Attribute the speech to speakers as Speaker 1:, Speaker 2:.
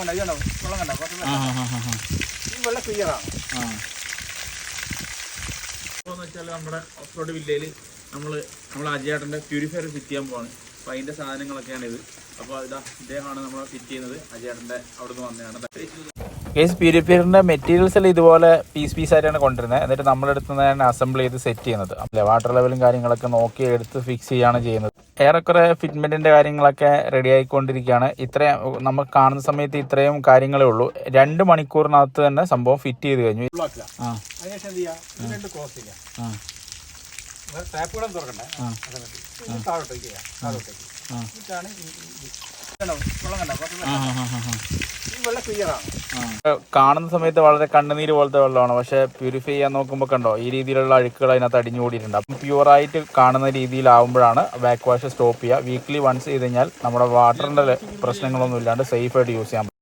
Speaker 1: വെള്ളം ക്ലിയറാണ്.
Speaker 2: നമ്മുടെ off road വില്ലയിൽ നമ്മൾ അജയേട്ടൻ്റെ പ്യൂരിഫയർ ഫിറ്റ് ചെയ്യാൻ പോവാണ്. അപ്പോൾ അതിൻ്റെ സാധനങ്ങളൊക്കെയാണ് ഇത്. അപ്പോൾ ഇദ്ദേഹമാണ് നമ്മൾ ഫിറ്റ് ചെയ്യുന്നത്. അജയേട്ടൻ്റെ അവിടെ നിന്ന് വന്നതാണ്.
Speaker 3: കേസ് പ്യൂരിഫയറിൻ്റെ മെറ്റീരിയൽസ് എല്ലാം ഇതുപോലെ പീസ് ആയിട്ടാണ് കൊണ്ടുവരുന്നത്. എന്നിട്ട് നമ്മളെടുത്ത് തന്നെ അസംബിൾ ചെയ്ത് സെറ്റ് ചെയ്യുന്നത്. അല്ലേ, വാട്ടർ ലെവലും കാര്യങ്ങളൊക്കെ നോക്കി എടുത്ത് ഫിക്സ് ചെയ്യുകയാണ് ചെയ്യുന്നത്. ഏറെക്കുറെ ഫിറ്റ്മെൻറ്റിൻ്റെ കാര്യങ്ങളൊക്കെ റെഡി ആയിക്കൊണ്ടിരിക്കുകയാണ്. ഇത്രയും നമുക്ക് കാണുന്ന സമയത്ത് ഇത്രയും കാര്യങ്ങളേ ഉള്ളൂ. 2 മണിക്കൂറിനകത്ത് തന്നെ സംഭവം ഫിറ്റ് ചെയ്ത് കഴിഞ്ഞു.
Speaker 1: അതിനുശേഷം എന്ത് ചെയ്യുക, ഇതിനെട്ട് ക്ലോസ് ചെയ്യുക. ടാപ്പ് കൂടെ തുറക്കണ്ടേ, താഴോട്ടേക്ക് ചെയ്യുക. താഴോട്ടേക്ക് എന്നിട്ടാണ് വെള്ളം ക്ലിയറാണ്.
Speaker 3: കാണുന്ന സമയത്ത് വളരെ കണ്ണുനീര് പോലത്തെ വെള്ളമാണ്. പക്ഷേ പ്യൂരിഫൈ ചെയ്യാൻ നോക്കുമ്പോൾ കണ്ടോ ഈ രീതിയിലുള്ള അഴുക്കുകൾ അതിനകത്ത് അടിഞ്ഞുകൂടിയിട്ടുണ്ട്. അപ്പം പ്യുവറായിട്ട് കാണുന്ന രീതിയിലാവുമ്പോഴാണ് ബാക്ക് വാഷ് സ്റ്റോപ്പ് ചെയ്യുക. വീക്ക്ലി വൺസ് ചെയ്ത് കഴിഞ്ഞാൽ നമ്മുടെ വാട്ടറിൻ്റെ പ്രശ്നങ്ങളൊന്നും ഇല്ലാണ്ട് സേഫായിട്ട് യൂസ് ചെയ്യാൻ പറ്റും.